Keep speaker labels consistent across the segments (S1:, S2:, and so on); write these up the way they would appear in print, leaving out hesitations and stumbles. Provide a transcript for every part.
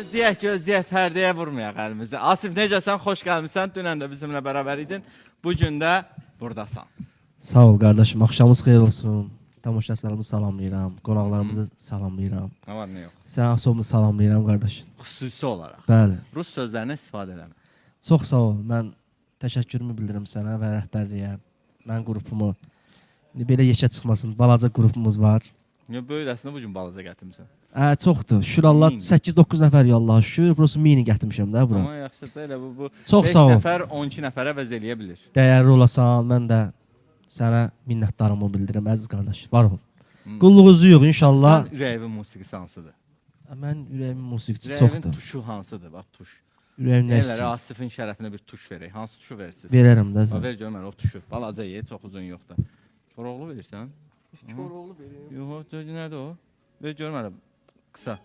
S1: Gözləyək, pərdəyə vurmayaq əlimizi. Asif, necəsən? Xoş gəlmişsən. Dünən də bizimlə bərabər idin. Bugün də buradasan.
S2: Sağ ol qardaşım, axşamınız xeyir olsun. Tamaşaçılarımızı salamlayıram, qonaqlarımızı salamlayıram.
S1: Nə var, nə yox?
S2: Sən asomunu salamlayıram qardaşım.
S1: Xüsusi olaraq.
S2: Bəli.
S1: Rus sözlərindən istifadə eləmə.
S2: Çox sağ ol. Mən təşəkkürümü bildirirəm sənə və rəhbərliyə. Mən qrupumu belə yekə çıxmasın, balaca qrupumuz var.
S1: Niyə böyrəsində bu gün balaca gətirmisən?
S2: Çoxdur. Şükür Allah 8-9 nəfər Allah şükür. Burası mini gətirmişəm də bura.
S1: Amma yaxşıdır elə bu.
S2: Çox sağ ol.
S1: 5 nəfər 12 nəfərə əvəz eləyə bilir.
S2: Dəyərli olasan, mən də sənə minnətdarımı bildirirəm əziz qardaş. Var ol. Qulluğunuzu yox inşallah.
S1: Sən ürəyimin musiqisi hansıdır?
S2: Mən ürəyimin musiqiçisi çoxdur.
S1: Ürəyimin tuşu hansıdır? Bax tuş.
S2: Ürəyim nə
S1: Elələri
S2: istəyir?
S1: Asifin şərəfinə bir tuş verək. Hansı tuşu verirsiniz?
S2: Verərəm də sən.
S1: Ver görüm o tuşu. Balaca ye, çox uzun yox da. Koroğlu verirsən?
S2: Koroğlu verirəm.
S1: Yox, nədir o? Ver görüm hələ. Qısa.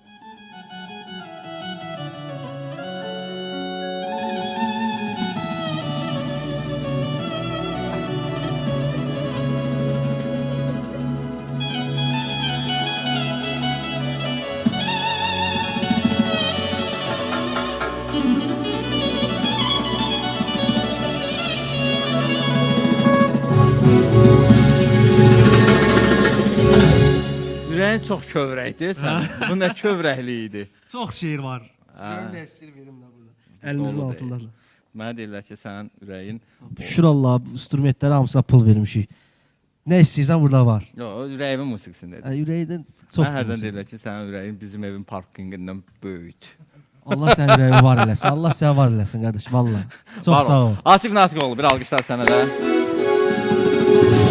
S1: Ürəyin çox kövrəkdir sən. Bu nə kövrəkli idi?
S2: Çox şeir var. Görüm nə istəyir verim də burada. Əlimizin altındadır.
S1: Mənə deyirlər ki, sənin ürəyin...
S2: Şükür Allah, instrumentlərə hamısına pul vermişik. Nə istəyirsən burada var.
S1: Yox, ürəyimin musiqisindədir.
S2: Ürəkdən çox.
S1: Mən hərdən deyirlər ki, sənin ürəyin bizim evin parkinqindən böyükdür.
S2: Allah sənin ürəyi var eləsin. Allah sənə var eləsin qardaş, vallahi. Çox sağ ol.
S1: Asif Natiqoğlu, bir alqışlar sənə də.